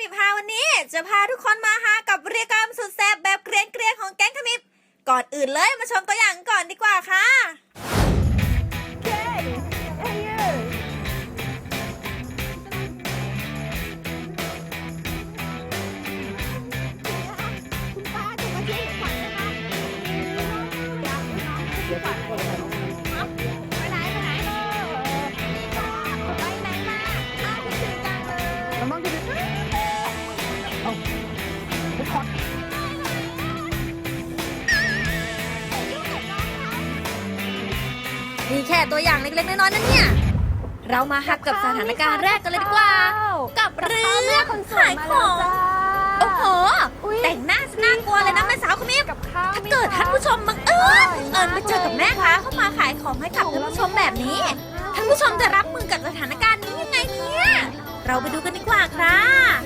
มิบฮาวันนี้จะพาทุกคนมาฮากับเรียกรรมสุดแซ่บแบบเกรียนๆของแก๊งขมิบก่อนอื่นเลยมาชมตัวอย่างก่อนดีกว่าค่ะนี่แค่ตัวอย่างเล็กๆน้อยๆนั่นเนี่ยเรามาฮักกับสถานการณ์แรกกันเลยดีกว่ากับเรื่องขายของโอ้โหแต่งหน้าน่ากลัวเลยนะแม่สาวขมิบถ้าเกิดท่านผู้ชมบังเอิญไปเจอกับแม่ค้าเข้ามาขายของให้กับท่านผู้ชมแบบนี้ท่านผู้ชมจะรับมือกับสถานการณ์นี้ยังไงเนี่ยเราไปดูกันดีกว่าค่ะ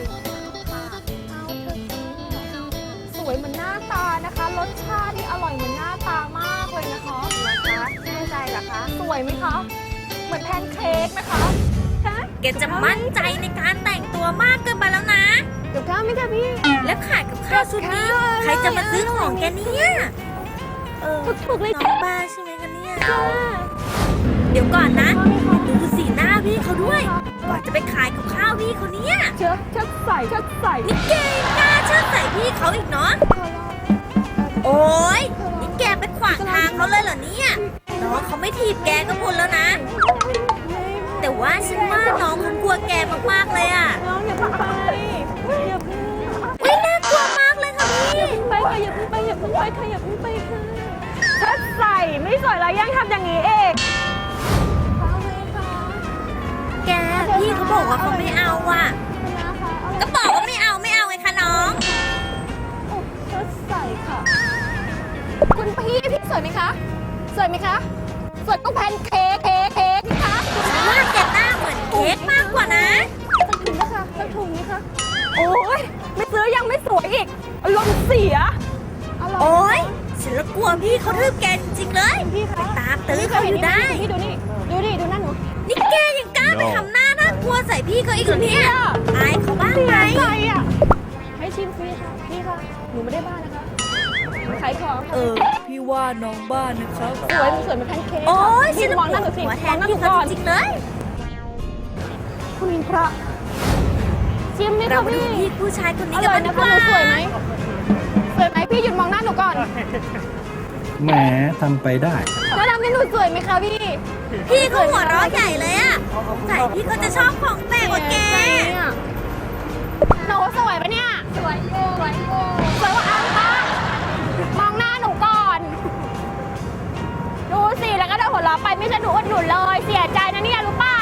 สวยเหมือนหน้าตานะคะรสชาติที่อร่อยเหมือนหน้าตามากเลยนะคะแน่ใจเหรอคะสวยไหมคะเหมือนแพนเค้กไหมคะแกจะมั่นใจในการแต่งตัวมากเกินไปแล้วนะกับข้าวไหมคะพี่แล้วขายกับข้าวชุดนี้ใครจะมาซื้อของแกเนี่ยถูกเลยน้องบ้าใช่ไหมคะเนี่ยเดี๋ยวก่อนนะดูสีหน้าพี่เขาด้วยก่อนจะไปขายกับข้าวพี่เขาเนี่ยเชิดใส่นี่แกกล้าเชิดใส่พี่เขาอีกเนาะโอ๊ยนี่แกไปขวางทางเขาเลยเหรอเนี่ยน้องเขาไม่ถีบแกก็บุญแล้วนะแต่ว่าฉันว่าน้องเขากลัวแกมากๆเลยอ่ะน้องอย่าเพิ่งไปน่ากลัวมากเลยค่ะพี่อย่าเพิ่งไปค่ะอย่าเพิ่งไปค่ะเชิดใส่ไม่สวยแล้วยังทำอย่างนี้เองแกพี่เขาบอกว่าเขาไม่เอาว่ะก็บอกว่าไม่เอาไงคะน้องเชิดใส่ค่ะคุณพี่สวยไหมคะสวยต้องแพนเค้กนี่คะฉันว่าแกหน้าเหมือนเค้กมากกว่านะสักถุงนะคะโอ้ยไม่ซื้อยังไม่สวยอีกอารมณ์เสียโอ๊ยฉันละกลัวพี่เขาทืบแกจริงๆเลยไปตามตื้อเขาอยู่ได้ดูหน้าหนูนี่แกยังกล้าไปทำหน้าน่ากลัวใส่พี่เขาอีกเหรอเนี่ยอายเขาบ้างไหมให้ชิมฟรีค่ะพี่ค่ะหนูไม่ได้บ้านะคะขายของพี่ว่าน้องบ้านนะครับสวยเหมือนแพนเค้กโอ๊ยฉันมองหน้าหนูสิหัวแทนพี่เขาจริงๆเลยคุณพระชิมไหมคะพี่ผู้ชายคนนี้กันดีกว่าสวยไหมพี่หยุดมองหน้าหนูก่อนแหมทำไปได้แล้วทำให้หนูสวยไหมคะพี่เขาหัวเราะใหญ่เลยอ่ะใส่พี่เขาจะชอบของแปลกกว่าแกหนูสวยปะเนี่ยสวยกว่าอ้ำปะมองหน้าหนูก่อนดูสิแล้วก็เดินหัวเราะไปไม่ใช่หนูอดหนุนเลยเสียใจนะเนี่ยรู้เปล่า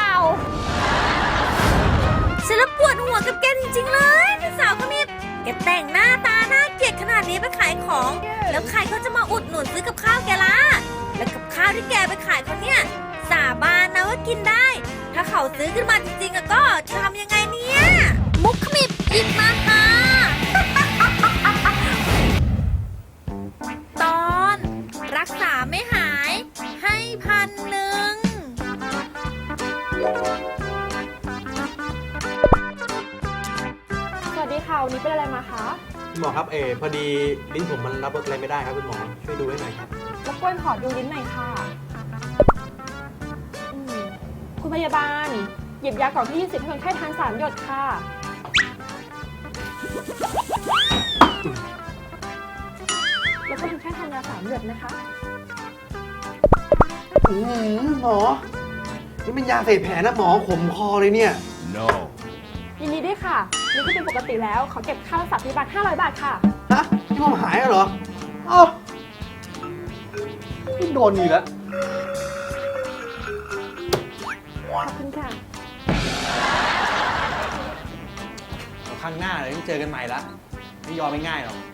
ฉันละปวดหัวกับแกจริงๆเลยพี่สาวคนนี้แกแต่งหน้าตาน่าเกลียดขนาดนี้ไปขายของแล้วใครเขาจะมาอุดหนุนซื้อกับข้าวแกล่ะแล้วกับข้าวที่แกไปขายเขาเนี่ยสาบานนะว่ากินได้ถ้าเขาซื้อขึ้นมาจริงๆก็จะทำยังไงเนี่ยมุกขมิบอีกมาค่ะตอนรักษาไม่หายให้1,000 สวัสดีค่ะวันนี้เป็นอะไรมาคะคุณหมอครับพอดีลิ้นผมมันรับรสอะไรไม่ได้ครับคุณหมอช่วยดูให้หน่อยครับรบกวนขอดูลิ้นหน่อยค่ะคุณพยาบาลหยิบยากล่องที่20ให้คนไข้ทาน3 หยดค่ะแล้วก็คนไข้ทานยา3 หยดนะคะหมอนี่เป็นยาเสพแผลนะหมอขมคอเลยเนี่ย no ยินดีด้วยค่ะนี่ก็เป็นปกติแล้วขอเก็บค่ารักษาพยาบาล500 บาทค่ะที่ผมหายเหรอพี่โดนอีกแล้วขอบคุณค่ะครั้งหน้าเราต้องเจอกันใหม่ละไม่ยอมไม่ง่ายหรอก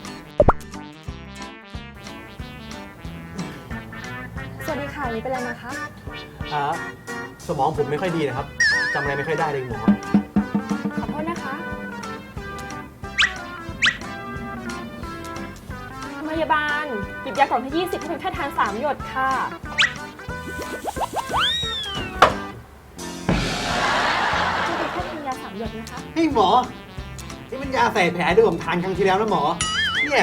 สวัสดีค่ะวันนี้เป็นอะไรมาคะสมองผมไม่ค่อยดีนะครับจำอะไรไม่ค่อยได้เลยหมอขอโทษนะคะพยาบาลหยิบยากล่องที่20ให้คนไข้ทาน3 หยดค่ะจะเป็นแค่ทานยา3 หยดนะคะให้หมอนี่มันยาใส่แผลที่ผมทานครั้งที่แล้วนะหมอ เนี่ย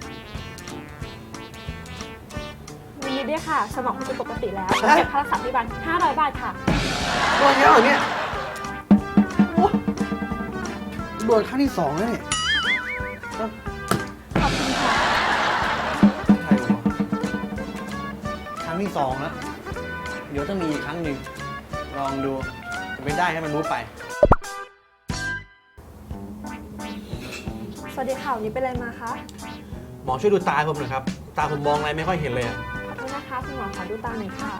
ยินดีด้วยค่ะ สมองคุณเป็นปกติแล้วเก็บค่ารักษาพยาบาล500 บาทค่ะโดนเยอะเหรอเนี่ยโอ้โดนครั้งที่สองแล้วเนี่ยขอบคุณค่ะใครวะครั้งที่สองแล้ว เดี๋ยวต้องมีอีกครั้งหนึ่ง ลองดูจะไม่ได้ให้มันรู้ไปสวัสดีค่ะวันนี้เป็นอะไรมาคะหมอช่วยดูตาผมหน่อยครับ ตาผมมองอะไรไม่ค่อยเห็นเลยอะขอโทษนะคะคุณหมอขอดูตาหน่อยค่ะ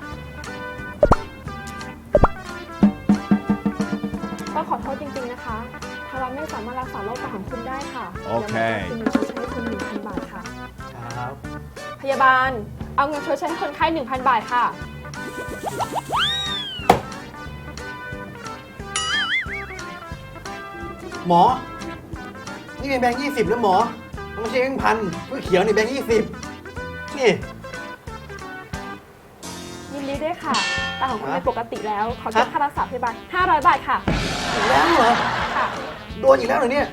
ต้องขอโทษจริงๆนะคะทางเราไม่สามารถรักษาโรคตาของคุณได้ค่ะโอเคดี๋ยวหมอจะคืนเงินชดใช้ให้คุณ 1,000 บาทค่ะครับพยาบาล เอาเงินชดใช้ให้คนไข้ 1,000 บาทค่ะหมอ นี่เป็นแบงค์20นะหมอมันไม่ใช่แบงค์พันก็เขียวนี่แบงค์20นี่ยินดีด้วยค่ะ ตาของคุณฮะเป็นปกติแล้ว ขอเก็บค่ารักษาพยาบาล500 บาทค่ะอีกแล้วเหรอค่ะโดนอีกแล้วเหรอเนี่ย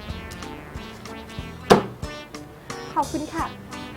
ขอบคุณค่ะ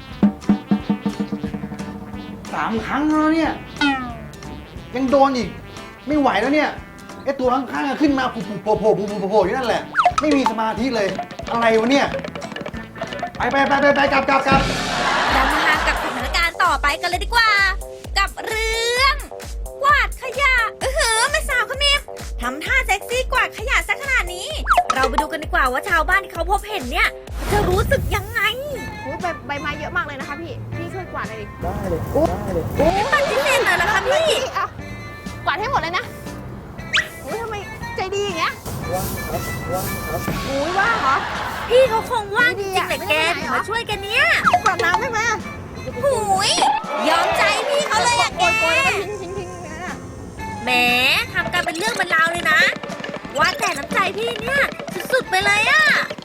3 ครั้งแล้วเนี่ย ยังโดนอีก ไม่ไหวแล้วเนี่ยไอตัวข้างๆอะขึ้นมาโผล่อยู่นั่นแหละ ไม่มีสมาธิเลย อะไรวะเนี่ย ไปกลับเรามาหากับสถานการณ์ต่อไปกันเลยดีกว่า กับเรื่องกวาดขยะแม่สาวขมิบทำท่าเซ็กซี่กวาดขยะซะขนาดนี้ เราไปดูกันดีกว่าว่าชาวบ้านที่เขาพบเห็นเนี่ยจะรู้สึกยังไงใบไม้เยอะมากเลยนะคะพี่ พี่ช่วยกวาดหน่อยดิไม่ปฏิเสธเลยนะคะพี่อ่ะกวาดให้หมดเลยนะโอ้ยทำไมใจดีอย่างเงี้ยโอ้ยว่างเหรอพี่เขาคงว่างจริงๆไม่แต่ดีอะแกไม่ได้ไปไหนเหรอมาช่วยกันเนี่ยกวาดน้ำได้ไหมอะหูยยอมใจพี่เขาเลยอะแกโกยแล้วก็ทิ้งนะแหมทำกันเป็นเรื่องเป็นราวเลยนะ ว่าแต่น้ำใจพี่เนี่ยสุดๆไปเลยอะ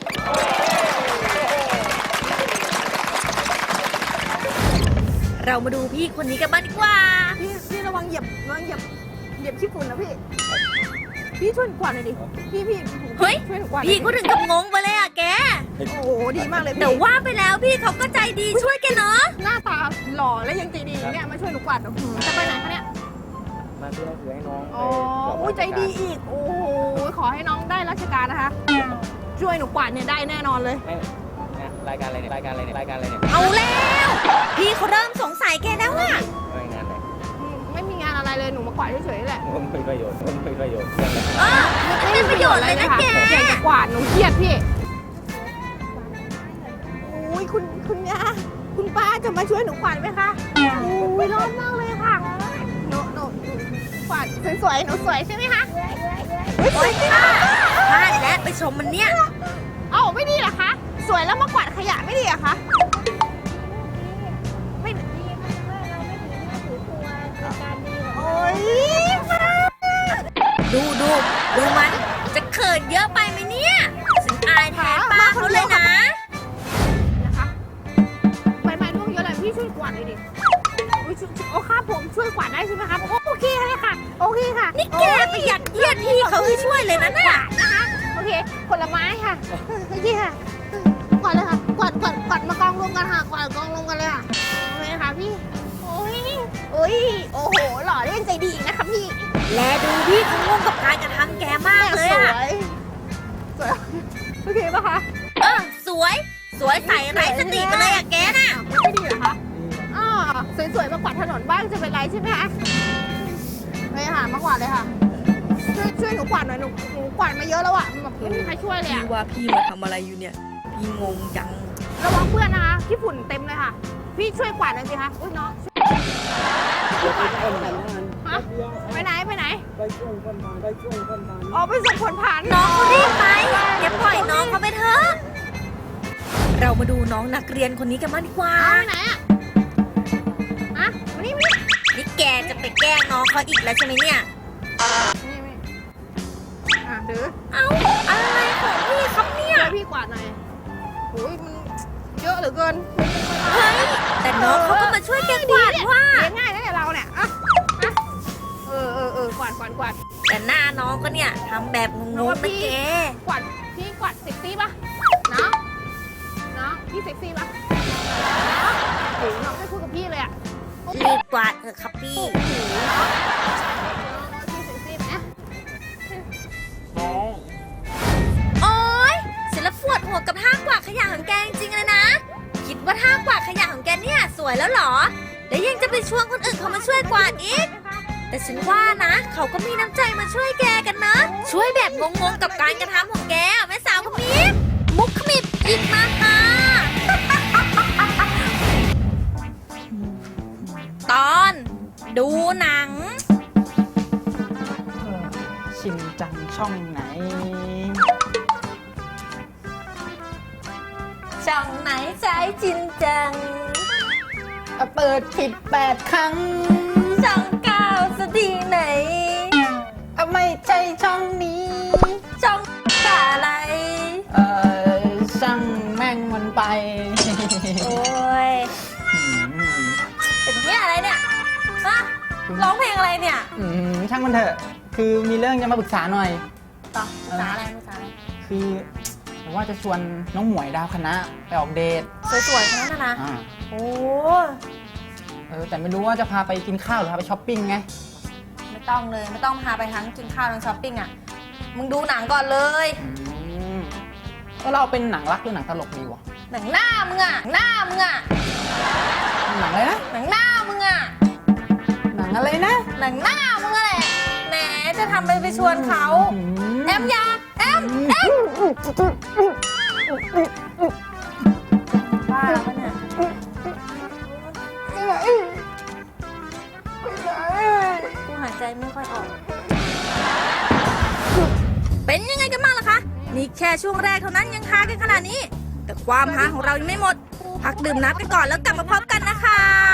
เรามาดูพี่คนนี้กันบ้างดีกว่าพี่ระวังเหยียบขี้ฝุ่นนะพี่ พี่ช่วยกวาดหน่อยดิ พี่เฮ้ยช่วยหนูกวาดหน่พี่อยดิก็ถึงกับงงไปเลยอะแกโอ้โหดีมากเลยแต่พี่ว่าไปแล้วพี่เขาก็ใจดีช่วยแกเนาะหน้าตาหล่อและยังใจดีเนี่ยมาช่วยหนูกวาดหนูจะไปไหนคะเนี่ยมาเพื่อให้น้องอ๋ออุ้ยใจดีอีก โอ้โหขอให้น้องได้ราชการนะคะ ช่วยหนูกวาดเนี่ยได้แน่นอนเลยรายการอะไรเนี่ยรายการอะไรเนี่ยรายการอะไรเนี่ยเอาแล้ว พี่เขาเริ่มสงสัยแกแล้วอะรายงานอะไรไม่มีงานอะไรเลยหนูมากวาดเฉยๆแหละผมเป็นประโยชน์ยังไงมันเป็นประโยชน์เลยนะแกอยากจะกวาดหนูเครียดพี่อุ้ยคุณย่าคุณป้าจะมาช่วยหนูกวาดไหมคะอุ้ยร้อนมากเลยค่ะหนูกวาดสวยๆหนูสวยใช่ไหมคะโอ๊ยพลาดแล้วไปชมมันเนี่ยเอ้าไม่ดีเหรอคะ สวยแล้วมากวาดขยะไม่ดีเหรอคะไม่ดีโอ๊ยป้าดูมันจะเขินเยอะไปไหมเนี่ยฉันอายแทนป้าเขาเลยนะนะคะใบไม้ร่วงเยอะเลยพี่ช่วยกวาดเลยดิอุ๊ยโอ้ค่ะผมช่วยกวาดได้ใช่ไหมครับโอเคเลยค่ะ โอเคค่ะนี่แกไปยัดเยียดพี่เขาให้ช่วยเลยนะน่ะนะคะโอเคผลไม้ค่ะโอเคค่ะกวาดเลยค่ะกวาดมากองรวมกันค่ะกวาดกองรวมกันเลยค่ะโอเคค่ะพี่โอ้ยโอ้โหหล่อเล่นใจดีอีกนะคะพี่แลดูพี่เขางงกับการกระทำแกมากเลยสวอะยโอเคปะคะสวยใส่ไร้สติไปเลยอะแกน่ะไม่ดีเหรอคะอ๋อสวยๆมากวาดถนนบ้างจะเป็นไรใช่ไหมคะไปค่ะมากวาดเลยค่ะช่วยหนูกวาดหน่อยหนูกวาดมาเยอะแล้วอะแบบไม่มีใครช่วยเลยอะพี่ว่าพี่มาทำอะไรอยู่เนี่ย พี่งงจังระวังเพื่อนนะคะขี้ฝุ่นเต็มเลยค่ะ พี่ช่วยกวาดหน่อยสิคะอุ้ยน้องช่วยกวาดหน่อยฮะไปไหนอ๋อไปส่งผลผ่านน้องเขารีบไปอย่าปล่อยน้องเขาไปเถอะ เรามาดูน้องนักเรียนคนนี้กันบ้างดีกว่าเอาไปไหนอะฮะมานี่นี่แกจะไปแกล้งน้องเขาอีกแล้วใช่ไหมเนี่ยดื้อเอ้าอะไรของพี่ครับเนี่ยช่วยพี่กวาดหน่อยโอ้ยมันเยอะเหลือเกินเฮ้ยแต่น้องเขาก็มาช่วยแกกวาดว่าเลี้ยงง่ายนะเนี่ยเราเนี่ยอะกวาดแต่หน้าน้องก็เนี่ยทำแบบงงๆนะแกกวาดพี่กวาดเซ็กซี่ปะน้องพี่เซ็กซี่ปะโอ้โหน้องไม่พูดกับพี่เลยอะรีบกวาดเถอะครับพี่พี่เซ็กซี่ไหมน้องโอ๊ยฉันละปวดหัวกับท่ากวาดขยะของแกจริงๆเลยนะ คิดว่าท่ากวาดขยะของแกเนี่ยสวยแล้วเหรอ แล้วยังจะไปชวนคนอื่นเขามาช่วยกวาดอีก แต่ฉันว่านะ เขาก็มีน้ำใจมาช่วยแกกันนะ ช่วยแบบงงๆกับการกระทำของแกแม่สาวขมิบมุกขมิบหยิบมาค่ะ ตอนดูหนังชินจังช่องไหนช่องไหนใช้จินจังเปิดผิด8 ครั้งช่องเก้าสดีไหนไม่ใช่ช่องนี้ช่องอะไรช่างแม่งมันไปโอ้ย เป็นเนี่ยอะไรเนี่ยฮะร้องเพลงอะไรเนี่ยช่างมันเถอะ คือมีเรื่องจะมาปรึกษาหน่อยต่อภาษาอะไรภาษาอะไรคือผมว่าจะชวนน้องหมวยดาวคณะไปออกเดทสวยๆทั้งนั้นนะอ่าโอ้แต่ไม่รู้ว่าจะพาไปกินข้าวหรือพาไปช้อปปิ้งไงไม่ต้องเลย ไม่ต้องพาไปทั้งกินข้าวทั้งช้อปปิ้งอ่ะ มึงดูหนังก่อนเลยเราเป็นหนังรักหรือหนังตลกดีวะหนังหน้ามึงอ่ะ หน้ามึงอ่ะหนังอะไรนะหนังหน้ามึงอ่ะหนังอะไรนะหนังหน้ามึงอะแหละแหมจะทำไปชวนเขา แอมยาแอมบ้าปะเนี่ยกูหายใจไม่ค่อยออก เป็นยังไงกันบ้างล่ะคะ นี่แค่ช่วงแรกเท่านั้นยังฮากันขนาดนี้ แต่ความฮาของเรายังไม่หมด พักดื่มน้ำกันก่อนแล้วกลับมาพบกันนะคะ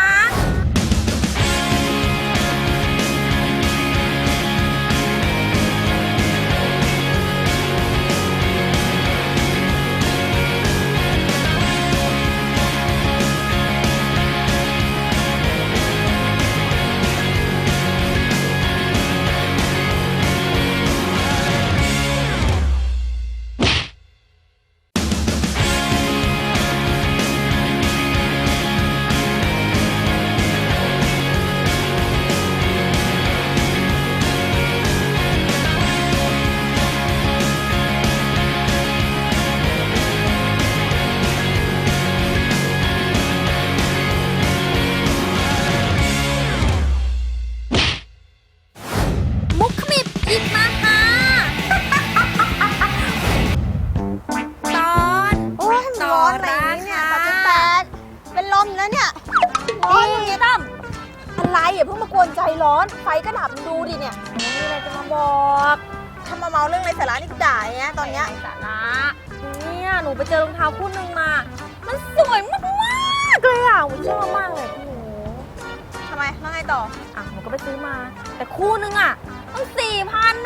มุกขมิบหยิบมาค่ะ ตอนโอ้ยมันร้อนไหนเนี่ย38เป็นลมแล้วเนี่ยร้อนอย่างนี้ตั้มอะไรอย่าเพิ่งมากวนใจร้อน ไฟก็ดับดูดิเนี่ยมีอะไรจะมาบอกทำมาเมาเรื่องไรสาระนี่กูด่าอย่างเงี้ยตอนเนี้ยสาระเนี่ยหนูไปเจอรองเท้าคู่หนึ่งมา มันสวยมากๆเลยอ่ะหนูชอบมากเลยหนูทำไมแล้วไงต่ออ่ะหนูก็ไปซื้อมา แต่คู่หนึงอ่ะต้อง4,000แน่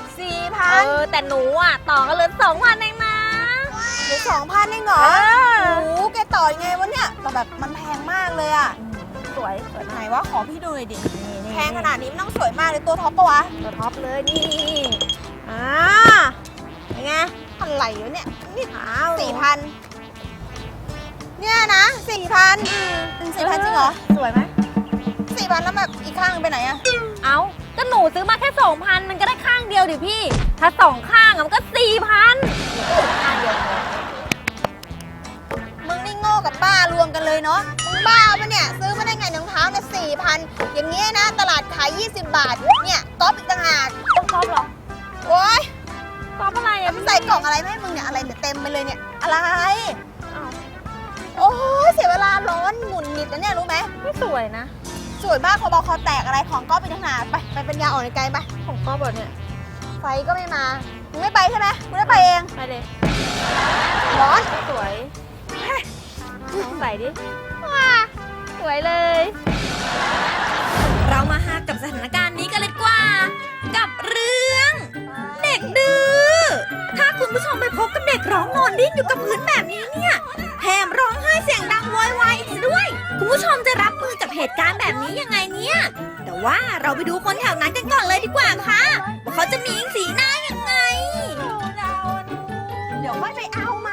4,000 แต่หนูอ่ะต่อกันเลย2,000เองนะหรือ2,000เองเหรอเออโอ้โหแกต่อยังไงวะเนี่ยแต่แบบมันแพงมากเลยอะสวยสวยไหนมากวะขอพี่ดูหน่อยดินี่แพงขนาดนี้มันต้องสวยมากเลยตัวท็อปปะวะตัวท็อปเลยนี่อ่าเป็นไงอะไรวะเนี่ยนี่ขาว 4,000เนี่ยนะ4,000เป็น4,000จริงเหรอสวยไหม 4,000แล้วแบบอีกข้างหนึ่งไปไหนอะเอาก็หนูซื้อมาแค่ 2,000 มันก็ได้ข้างเดียวดิพี่ ถ้า2ข้างอะมันก็ 4,000ข้างเดียวพอมึงนี่โง่กับป้ารวมกันเลยเนาะมึงบ้าปะเนี่ยซื้อมาได้ไงรองเท้าเนี่ย4,000อย่างเงี้ยนะตลาดขาย20 บาทเนี่ยก๊อปอีกต่างหากต้องก๊อปเหรอโอ๊ยก๊อปอะไรแล้วอะมันใส่กล่องอะไรไม่ให้มึงเนี่ยอะไรเนี่ยเต็มไปเลยเนี่ยอะไรอ้าวโอ้ยเสียเวลาร้อนหมุนหงิดนะเนี่ยรู้ไหมไม่สวยนะสวยมากคอบอคอแตกอะไรของก็ไปทั้งหนาไปเป็นยาอ่อนในไกลไปของก๊อปแบบเนี่ยไฟก็ไม่มามึงไม่ไปใช่ไหมมึงได้ไปเองไปเลยร้อนสวยลองใส่ดิ ว้าสวยเลย เรามาฮากับสถานการณ์นี้กันเลยดีกว่า กับเรื่อง เด็กดื้อ ถ้าคุณผู้ชมไปพบกับเด็กร้องนอนดิ้นอยู่กับพื้นแบบนี้เนี่ย แถมร้องไห้เสียงดังโวยวายอีกซะด้วย คุณผู้ชมจะรับมือกับเหตุการณ์แบบนี้ยังไงเนี่ย แต่ว่าเราไปดูคนแถวนั้นกันก่อนเลยดีกว่าค่ะว่าเขาจะมีสีหน้ายังไงเดี๋ไปเอามา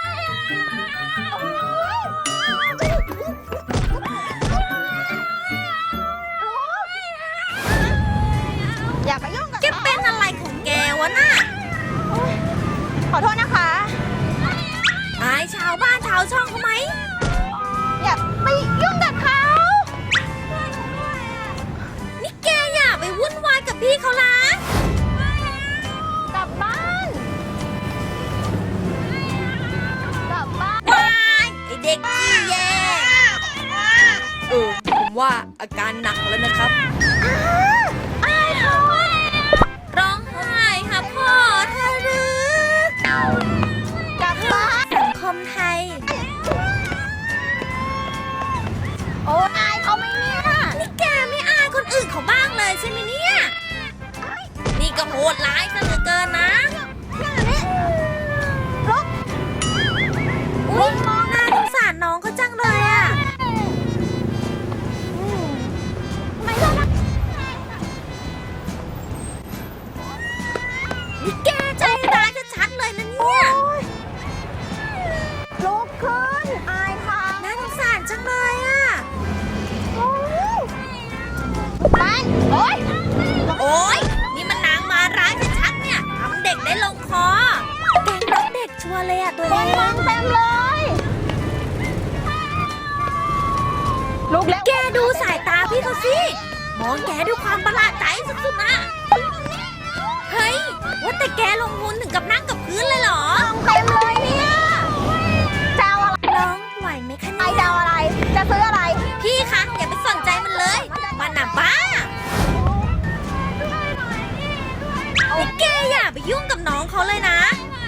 อย่าไปยุ่งกับแกเป็นอะไรของแกวะน่ะขอโทษนะคะอายชาวบ้านชาวช่องเขาไหมอย่าไปยุ่งกับเขานี่แกอย่าไปวุ่นวายกับพี่เขาละกลับบ้านกลับบ้านวายไอเด็กขี้แยผมว่าอาการหนักแล้วนะครับอายเขาร้องไห้ค่ะพ่อทะลึกกลับบ้านสังคมไทยโอ้อายเขาไหมเนี่ยนี่แกไม่อายคนอื่นเขาบ้างเลยใช่ไหมเนี่ย นี่ก็โหดร้ายซะเหลือเกินนะรถอุ้ยน่าสงสารน้องเขาจังเลยอะไม่ได้นะนี่แกใจร้ายชัดๆเลยนะเนี่ยลุกขึ้นอายเขาน่าสงสารจังเลยอะไปโอ๊ยโอ๊ย นี่มันนางมาร้ายชัดๆเนี่ยทำเด็กได้ลงคอ แกงรักเด็กชัวร์เลยอะตัวคเอนมองงเต็มเลยลุกแล้วแกดูสายตาพี่เขาสิ มองแกด้วยความประหลาดใจสุดๆนะเฮ้ย ว่าแต่แกลงทุนถึงกับนั่งกับพื้นเลยเหรอเต็มเลยเนี่ยจะเอาอะไรน้องไหวไหมคะไอเนี่ยจะเอาอะไร จะซื้ออะไรพี่คะอย่าไปสนใจมันเลย มันน่ะบ้านี่แกอย่าไปยุ่งกับน้องเขาเลยนะ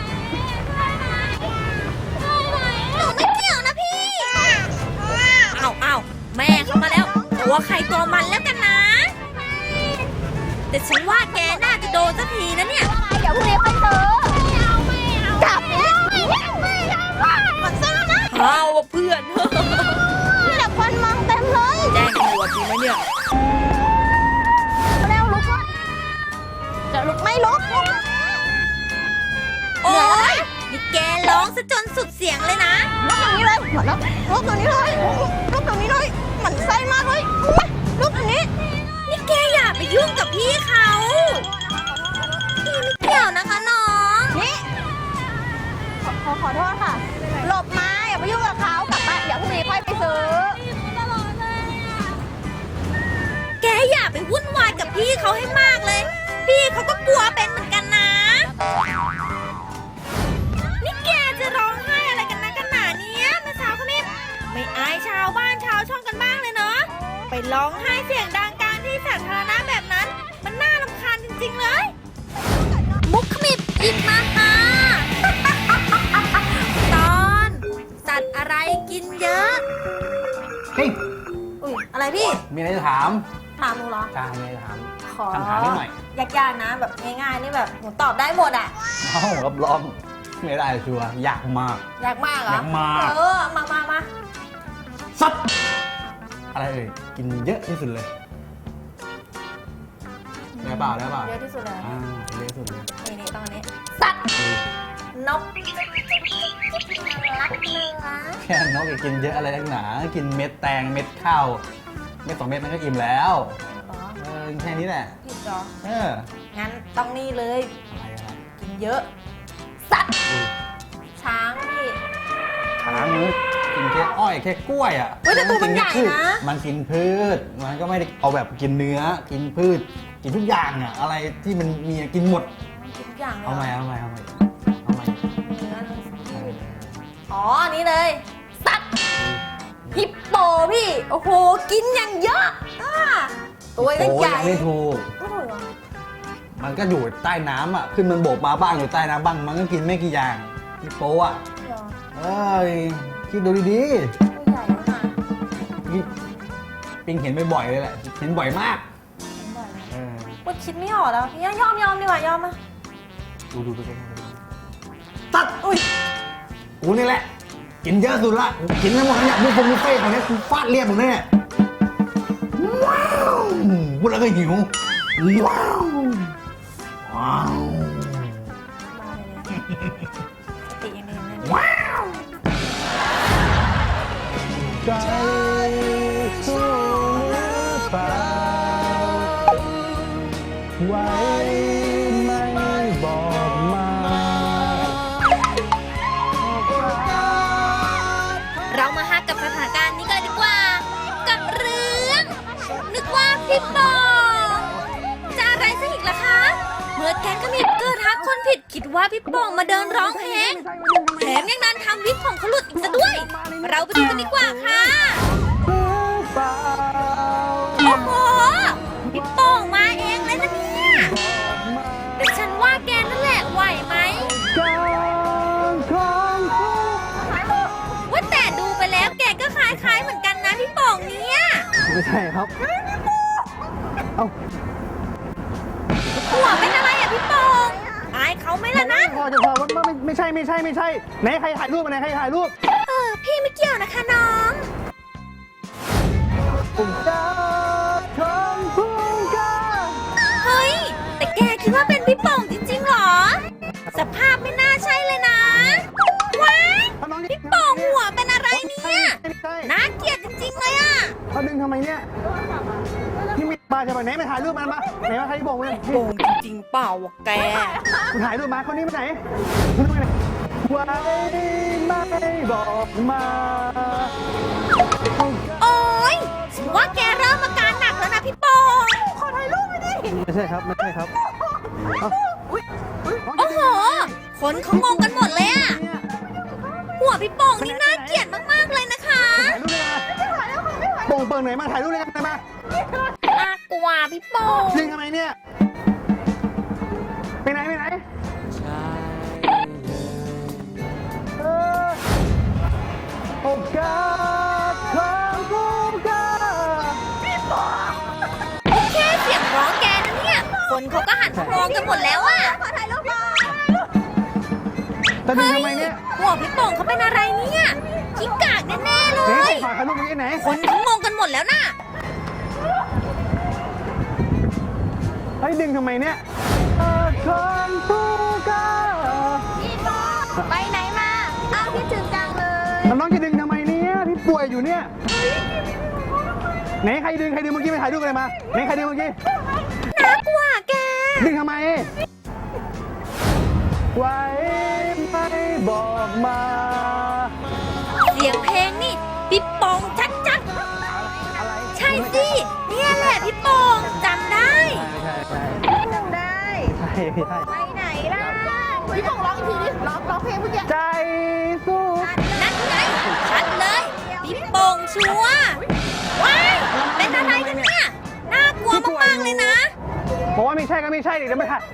หนูไม่เกี่ยวนะพี่ เอาแม่เขามาแล้วตัวใครตัวมันแล้วกันนะ แต่ฉันว่าแกน่าจะโดนสักทีนะเนี่ยเดี๋ยวพรุ่งนี้ค่อยซื้อจับเนี่ยมันซื้อนะเอาว่ะเพื่อนนี่แหละควันมองเต็มเลยแจ้งตำรวจดีไหมเนี่ยเร็วลุกก่อนจะลุกไม่ลุกโอ๊ยนี่แกร้องซะจนสุดเสียงเลยนะลุกตรงนี้เลยหมดแล้วลุกตรงนี้เลยลุกตรงนี้เลยหมันไส้มากเลยลุกตรงนี้นี่แกอย่าไปยุ่งกับพี่เขาพี่ไม่เกี่ยวนะคะน้องนี่ขอโทษค่ะ หลบมาอย่าไปยุ่งกับเขากลับบ้านเดี๋ยวพรุ่งนี้ค่อยไปซื้อแกอย่าไปวุ่นวายกับพี่เขาให้มากเลย พี่เขาก็กลัวเป็นเหมือนกันนะ นี่แกจะร้องไห้อะไรกันนะกันหนาเนี้ยแม่สาวคนนี้ไม่อายชาวบ้านชาวช่องกันบ้างเลยเนาะ ไปร้องไห้เสียงดังกลางที่สาธารณะแบบนั้น มันน่ารำคาญจริงๆเลย มุกขมิบอีกมาค่ะ ตอนสัตว์อะไรกินเยอะเฮ้ยอุ้ยอะไรพี่มีอะไรจะถามถามหนูเหรอจ้ามีอะไรจะถามขอคำถามนิดหน่อยยากๆนะแบบง่ายๆนี่แบบหนูตอบได้หมดอ่ะเอ้ารับรองไม่ได้ชัวร์ยากมากยากมากเหรอยากมากมาสัตว์อะไรเอ่ยกินเยอะที่สุดเลยได้เปล่าเยอะที่สุดเลยเยอะที่สุดเลยนี่ตรงนี้สัตว์นกรักเนื้อแค่นกกินเยอะอะไรนักหนา กินเม็ดแตงเม็ดข้าวเม็ด2 เม็ดมันก็อิ่มแล้วเหรอแค่นี้แหละผิดเหรอเอองั้นต้องนี่เลยอะไรกินเยอะ สัตว์อุ้ยช้างพี่ช้างมันกินแค่อ้อยแค่กล้วยอ่ะเฮ้ยแต่ตัวมันใหญ่นะมันกินพืช มันก็ไม่ได้เอาแบบกินเนื้อ กินพืช กินทุกอย่างอ่ะ อะไรที่มันมีกินหมดกินทุกอย่างเลยเอาใหม่เหรอเอาใหม่เนื้ออ๋ออันนี้เลย สัตว์ฮิปโปพี่ โอ้โห กินอย่างเยอะตัวโอ้ใหญ่ยังไม่ถูกไม่ถูกเหรอมันก็อยู่ใต้น้ำอ่ะ ขึ้นมันโบกมาบ้างอยู่ใต้น้ำบ้าง มันก็กินไม่กี่อย่างฮิปโปอ่ะเหรอเอ้ย คิดดูดีตัวใหญ่มากๆนี่ปิงเห็นบ่อยๆเลยแหละ เห็นบ่อยมาก เออพูดคิดไม่ออกแล้วพี่ยอมดีกว่ายอมมาดูใกล้ๆตัดอุ้ย กูนี่แหละ กินเยอะสุดละกูกินทั้งหมดเนี่ยบุฟเฟ่ต์ของเนี้ยกูฟาดเรียบหมดเลยเนี่ยว้าวพูดแล้วก็หิวว้าวว้าวมาเลยสติอย่างเดียวใจสู้หรือเปล่าไว้ไม่บอกมาเรามาฮักกับสถานการณ์นี้กันเลยดีกว่า กับเรื่อง นึกว่าพี่ปองจะอะไรซะอีกล่ะคะ เมื่อแก๊งขมิบเกิดทักคนผิดคิดว่าพี่ปองมาเดินร้องเพลงแถมยังนั้นทำวิกของเขาหลุดอีกซะด้วย เราไปดูกันดีกว่าค่ะ โอ้โห พี่ปองมาเองเลยนะเนี่ยแต่ฉันว่าแกนั่นแหละไหวไหม ว่าแต่ดูไปแล้วแกก็คล้ายๆเหมือนกันนะพี่ปองเนี่ยไม่ใช่ครับ เอ้าหัวเป็นอะไรอ่ะพี่ปองอายเขาไหมล่ะนะพอจะพอว่าไม่ใช่ไหนใครถ่ายรูปมาไหนใครถ่ายรูปพี่ไม่เกี่ยวนะคะน้องผมจะทำผู้กล้าเฮ้ย แต่แกคิดว่าเป็นพี่ปองจริงๆเหรอ สภาพไม่น่าใช่เลยนะ ว้ายพี่ปองหัวเป็นอะไรเนี่ยไม่ใช่น่าเกลียดจริงๆเลยอ่ะเขาดึงทำไมเนี่ยนี่ไม่มาใช่ไหมไหนมาถ่ายรูปมันมาไหนมาใครบอกเลยโกงจริงๆเปล่าวะแกคุณถ่ายรูปมาคนนี้มาไหนคุณมาไหนไว้ไม่บอกมาโอ๊ยฉันว่าแกเริ่มอาการหนักแล้วนะพี่ปอง ขอถ่ายรูปไปดิไม่ใช่ครับไม่ใช่ครับเอ้าโอ้โห คนเขางงกันหมดเลยอะหัวพี่ปองนี่น่าเกลียดมากๆเลยนะคะถ่ายรูปเลยนะโป่งเปิงไหนมาถ่ายรูปเลยกันไหนมาน่ากลัวพี่ปองดึงทำไมเนี่ยไปไหนเออโอกาสของผู้กล้าแค่เสียงร้องแกนะเนี่ย คนเขาก็หันมามองกันหมดแล้วอะขอถ่ายรูปมาแต่ดึงทำไมเนี่ยหัวพี่ปองเขาเป็นอะไรเนี่ยขี้กากแน่ๆเลไหนยถ่ายรูปเมื่อกี้ไหนคนเขางงกันหมดแล้วน่ะเฮ้ยดึงทำไมเนี่ยของผู้กล้าพี่ปองไปไหนมาอ้าวคิดถึงจังเลยน้องจะดึงทำไมเนี่ยพี่ป่วยอยู่เนี่ยไหนใครดึงเมื่อกี้ไปถ่ายรูปอะไรมาไหนใครดึงเมื่อกี้น่ากลัวแกดึงทำไมไว้ไม่บอกมาเสียงเพลงนี่พี่ปองชัดอะไรๆ ใช่สิ เนี่ยแหละพี่ปองจำได้จำได้ใช่ใช่ไปไหนล่ะ พี่ปองร้องอีกทีดิร้องเพลงเมื่อกี้ใจสู้นั่นไงชัดเลย พี่ปองชัวร์ว้ายเป็นอะไรกันเนี่ย น่ากลัวมากๆเลยนะบอกว่าไม่ใช่ก็ไม่ใช่ดิเดี๋ยวไม่ถ่าย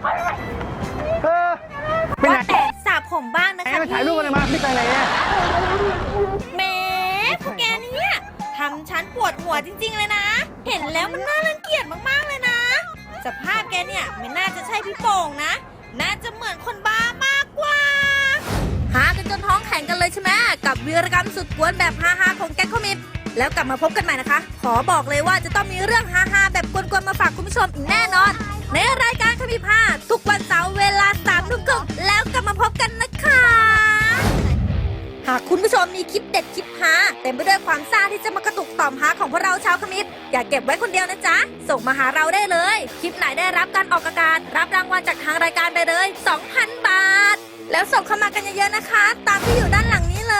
ไปไหนว่าแต่สระผมบ้างนะไหนคะไปถ่ายรูปอะไรมาไม่ไปไหนเนี่ยแหมพวกแกเนี่ยทำฉันปวดหัวจริงๆเลยนะ เห็นแล้วมันน่ารังเกียจมากๆเลยนะ สภาพแกเนี่ยไม่น่าจะใช่พี่โป่งนะ น่าจะเหมือนคนบ้ามากกว่า หากันจนท้องแข็งกันเลยใช่ไหมกับวีรกรรมสุดกวนแบบฮาๆของแก๊งคอมิบแล้วกลับมาพบกันใหม่นะคะ ขอบอกเลยว่าจะต้องมีเรื่องฮาๆแบบกวนๆมาฝากคุณผู้ชมอีกแน่นอน ในรายการคมิบฮาทุกวันเสาร์เวลา 3 ทุ่มครึ่งแล้วกลับมาพบกันนะคะ หากคุณผู้ชมมีคลิปเด็ดคลิปฮาเต็มไปด้วยความซ่าที่จะมากระตุกต่อมฮาของพวกเราชาวคมิบอย่าเก็บไว้คนเดียวนะจ๊ะ ส่งมาหาเราได้เลย คลิปไหนได้รับการออกอากาศรับรางวัลจากทางรายการไปเลย 2,000 บาท แล้วส่งเข้ามากันเยอะๆนะคะ ตามที่อยู่ด้านหลังนี้เลย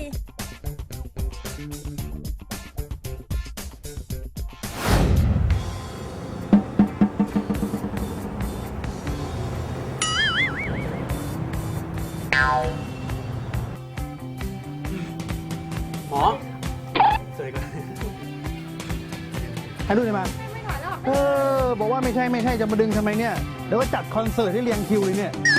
หมอสวยกันถ่ายรูปอะไรมาบอกว่าไม่ใช่จะมาดึงทำไมเนี่ยเดี๋ยวว่าจัดคอนเสิร์ตที่เรียงคิวเลยเนี่ย